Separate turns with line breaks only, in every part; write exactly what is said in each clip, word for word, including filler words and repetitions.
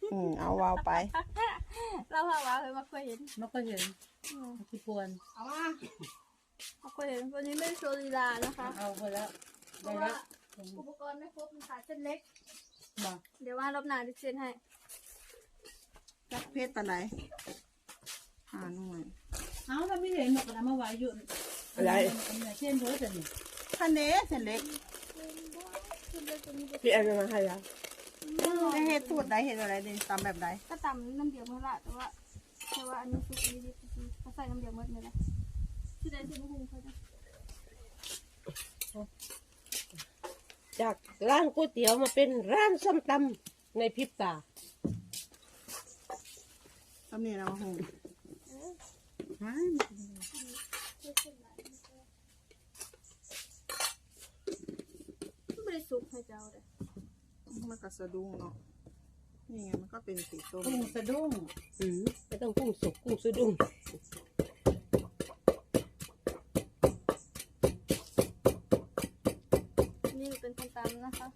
อืมเอาวาวไป
เราพาวาวเคยมาเคยเห็น
ไม่เคยเห็นที่ปวน
เอามา
มาเคยเห็นวันนี้ไม่โชว์ลีลานะคะ
เอาไปแล้ว
เพราะว่าอุปกรณ์ไม่ครบมันขาดเส้นเล็กเดี๋ยวว่ารอบหน้าจะเซ็นให้
จักเพชรปานไหนอ่าหน่อย
เอาเราไม่เห็นหมดนะเมื่อวานอยู่
อะไร
เช่นเพื่อนนี่
ท่านเด้เส้นเล็ก
พี่แอนมาให้แล้ว
ได้เห็ดสูตรใดเห็ดอะไรดีตำแบบใด
ก็ตำน้ำเดียวเมื่อละแต่ว่าแต่ว่าอันนี้ซุปนี้ดิเขาใส่น้ำเดียวเมื่อเลยนะที่ใดที่ไม่คุ้มเขาจะ
จากร้านก๋วยเตี๋ยวมาเป็นร้านส้มตำในพริบตา
ตำนี่นะมาหุง
ไม่ได้ซุปให้เจ้าเลย
มันก็สะดุ้งเนาะนี่ไงมันก็เป็นสีส้ม
กุ้งสะดุ้ง
อืมไม่ต้องกุ้งสุกกุ้งสะดุ้ง
นี่เป็นคนตำนะคะ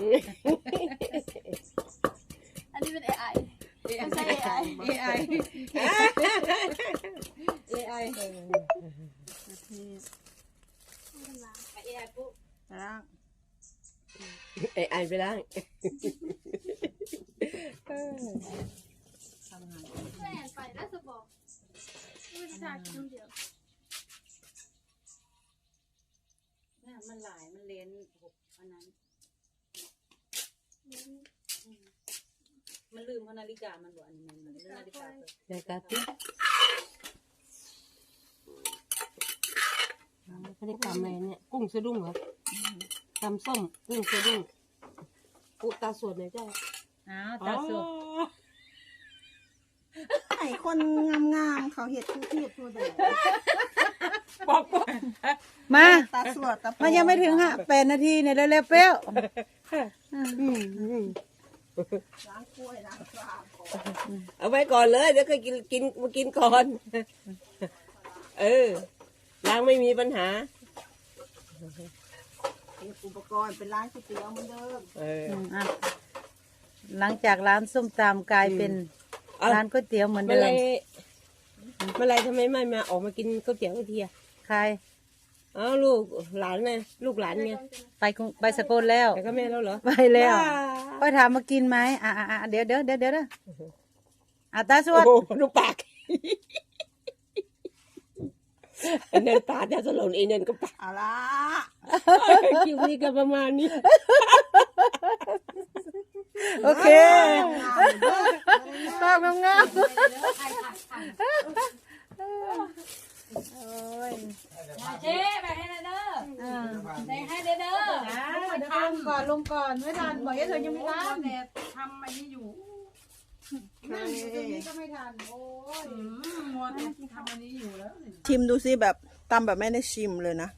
อันนี้เป็น เอ ไอ ไม่ใช่ เอ ไอ
เอไอเอไอ
ประเทศ
เอไอปุ๊บ
ล้าง
ไอไอไปล้าง
ทำงาน
แม่ไปแล้วจะบอกไม่ได้ทานน้ำเดียว
นี่มันหลายมันเลนหกอันนั้นมันลืมนาฬิกามันบอกอันนี้มันนาฬิกา
นาฬิกาติ๊กเขาได้ทำอะไรเนี่ยกุ้งสะดุ้งเหรอตำส้มกุ้งสะดุ้งอุตาส่วนไหนเจ้า
อ้าวตาสด
ไอ้คนงามๆเขาเห็ดทุกเห็ดตัวเดียว
บอกก่อน
มาตาสวดตามันยังไม่ถึงฮะแปดนาทีเนี่ยเร็วๆเปรี้ยวล้างกล้วยล้างปลา
เอาไว้ก่อนเลยเดี๋ยวเคยกินกินมากินก่อนเออล้างไม่มีปัญหา
อุปกรณ์เป็นร้านก๋วยเตี๋ยวเหมือนเดิม
เออ
หลังจากร้านส้มตำกลายเป็นร้านก๋วยเตี๋ยวเหมือนเดิม
เมื่อไรทำไมไม่มาออกมากินก๋วยเตี๋ยวทีอ่ะ
ใคร
อ้าวลูกหลานไงลูกหลานไง
ไปไปสกลแล้ว
ไปกับแม่แล้วเหรอ
ไปแล้วไปถามมากินไหมอ่ะอ่ะเดี๋ยวเดี๋ยวเดี๋ยวเดี๋ยวอ่ะตาสวด
ดูปากอันนั้นตาจะสลนอีนั่นก็ปาก
เอาละ
คิวนี้ก็ประมาณนี้
โอเคภาพงามๆ
เจ๊ไปให้เด้อไปให้เด้อเด้อ
ทำก่อนลงก่อนไม่ทันบอกว่าเธอยังไม่ทันแต่ทำอันนี้อยู่นั่งอยู่ตรงนี้ก็ไม่ทันโอ้ยมัวทำอันนี้อยู่แล้ว
ชิมดูสิแบบตำแบบไม่ได้ชิมเลยนะ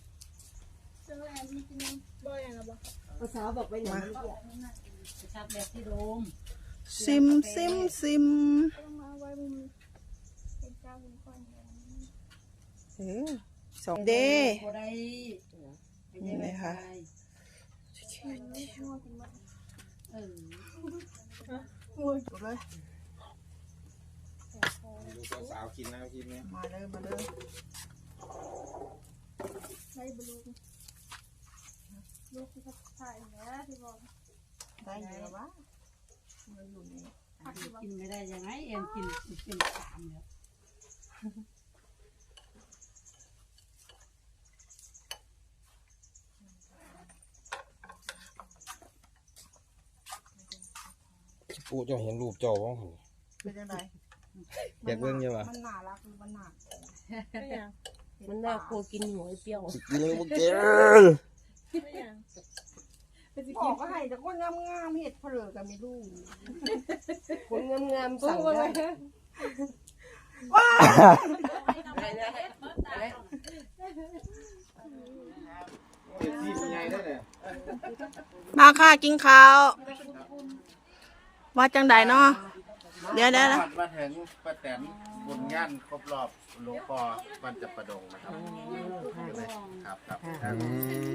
ภาษาบอกไปอย่างนี้
ชับแบบที่โดม
ซิมซิมซิมเออสองเดย์นี่ไหมคะ
เออ
เลย
สาวกินนะกินเนี่ย
มาเลยมาเลย
ใช้บลูลูกที่เขาถ่ายแล้วที่บอก
ได้เยอะวะมันอยู่นี่
กินไม่ได้ยังไงเอ็มกินเป็นสามแล้ว
ปูจะเห็นรูปเจ้าบ้าง
เป็นยังไง
อยากเบิ่งยังวะ
มันหนารักมันหนา
มันน่ากลัวกินหัวเปรี้ยว
กินเลยพวกเจ้า
บอกว่าให้แต่คนงามๆเห็ดเพลือกันไม่รู้
คนงามๆสั่งได้
ว้ามาค่ะกินข้าวว่าจังใดเนาะเดี๋ยวเดี๋ยว
มาถึงป้าแตนบุญงานครบรอบหลวงพ่อวันจับประดงนะครับครับครับ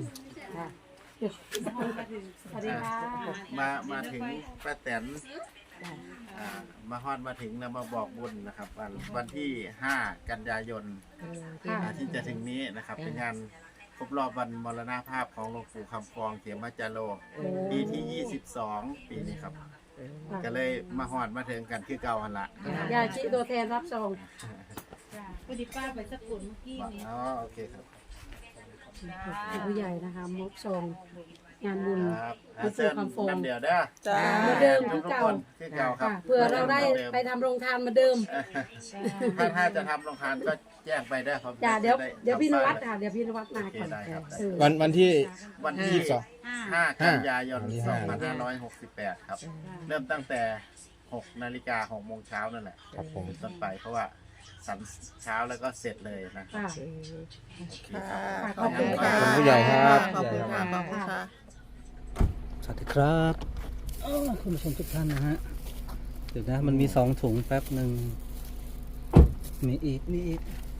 สวัสดีค่ะ
มามาถึงป้าแตนอ่ามาฮอดมาถึงแล้วมาบอกบุญนะครับ วันวันที่ห้ากันยายนอ่าที่จะถึงนี้นะครับ เป็นงานครบรอบวันมรณภาพของหลวงปู่คำฟองเขียมจาโรปีที่ยี่สิบสองปีนี้ครับ ก็เลยมาฮอดมาถึงกันคือเก่าหันละนะครับ
ยาชีตัวแทนรับซอง
พอดีป้าไปสักคนเมื่อกี้นี้
อ๋อโอเคครับ
ผู้ใหญ่นะคะมอบซองงานบุญ
ครับ
หลวงปู่
เชิญ
คำฟอง
น้ำเดียวเด้อ
จ้า
เหมือนเดิม
ทุก
เก่า
คนคือเก่าครับ
ค่ะเพื่อเราได้ไปทำโรงทานเหมาเดิม
ถ้าถ้าจะทำโรงทานก็แจ้งไปได้ครับ
จ้าเดี๋ยว
จะไ
เดี๋ยวพี่นวัด
ทำป้าย
ค่ะเดี๋ยวพี่นวัดมา
โอเค
ก่อน
ได้ครับ
เออ
วันวันที่
วันที่
ยี่สิบสอง
ห้ากันยายน
วันที่
สอ
ห้า
งพันห้าร้อยหกสิบแปดครับ เริ่มตั้งแต่หกนาฬิกาหกโมงเช้านั่นแหละ
ครับผม
เป็นต้นไปเพราะว่าสันเช้าแล้วก็เสร็จเลยนะ
ค่ะ
โอเคครับ
ค่ะขอบคุณ
ขอบ
ค่ะ
คุณผู้ใหญ่ครับ
ขอบคุณค่ะขอบคุณค่ะ
สวัสดีครับอ้าวคุณผู้ชมทุกท่านนะฮะ เดี๋ยวนะมันมีสองถุงแป๊บหนึ่ง มีอีก มีอีก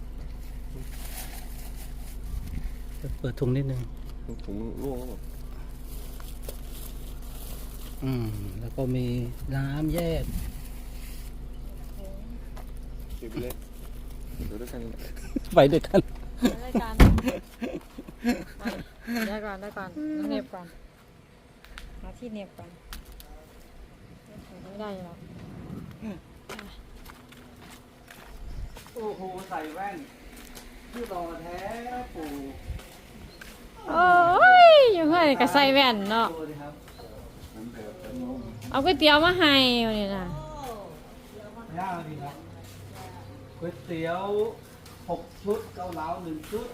เปิดถุงนิดนึง
ถุงร่วง
อืม แล้วก็มีน้ำแยก
เก็บไปเลยดูด้วยกัน
ไปด้วยกัน
ได้การได้ก่อนได้ก่อนเน็บก่อนหาที่เน็บก่อนไม่ได้หรอก
โอ้โห ใส่แว่นที่รอแท้ปู่
โอ้ยอยู่เพื่อนกับใส่แว่นเนาะ
ดูดิครับ
เอาก๋วยเตี๋ยวมาให้วันนี้นะ
ยากดีครับก๋วยเตี๋ยวหกชุด เกาเหลาหนึ่งชุด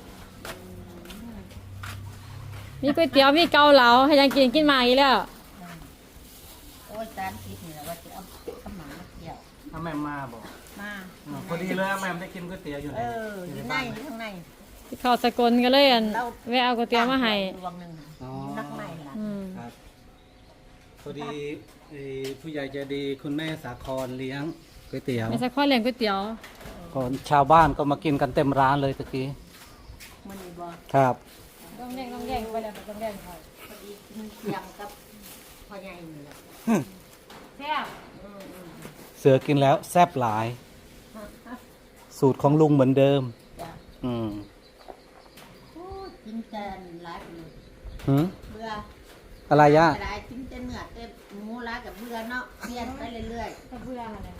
มีก๋วยเตี๋ยวมีเกาเหลาให้ยังกินกินมาอีกแล้ว
โอ้ยจานคิดนี่แหละว่าจะเอาขาวหมามาเกี่ยว
ถ้าแม่มาบอก
มา
อ๋อพอดีเลยแม่ได้กินก๋วยเตี๋ยวอยู่ไหน
เอออยู่ในอยู่ข้างใน
เข้าสกลก็เลยอันแวะเอาก๋วยเตี๋ยวมาให้
ดวงหนึ่ง
อ๋อ
นักในล่ะ
อืม
ครับพอดีไอ้ผู้ใหญ่ใจดีคุณแม่สาครเลี้ยงก๋วยเตี๋ยว
ไม่ใช่ข้อเลี้ยงก๋วยเตี๋ยว
ก่อนชาวบ้านก็มากินกันเต็มร้านเลยตะกี้
มันนี่บ่
ครับ
ต้องแดงต้องแดงไปแล้วต้องแดงค่ะ
พอดีมันเคียงกับพ่อใหญ่นี่แหละ
แซ่บ
อืมอืม
เสือกินแล้วแซ่บหลาย สูตรของลุงเหมือนเดิม
จ้ะ
อืม
โอ้ยกินแตนหลายปี
หืม
เบื่อ
อะไรยะ
หลายกินแต่เนื้อแต่หมูหลายกับเบื่อเนาะเปลี่ยนไปเรื่อย
ก็เบื่อเลย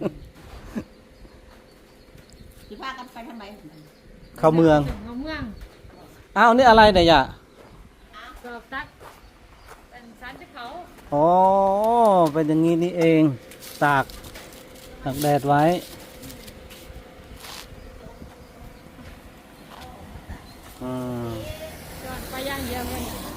ๆสิพากันไปทำไม
เข้าเมือง
เข้าเมือง
อ้าวนี่อะไรเนี่ยยะ
กรอบตักเป็นสันที่เขา
อ๋อเป็นอย่างนี้นี่เอง ตากตากแดดไว้ อืม
จอดไปย่างเดียวเลย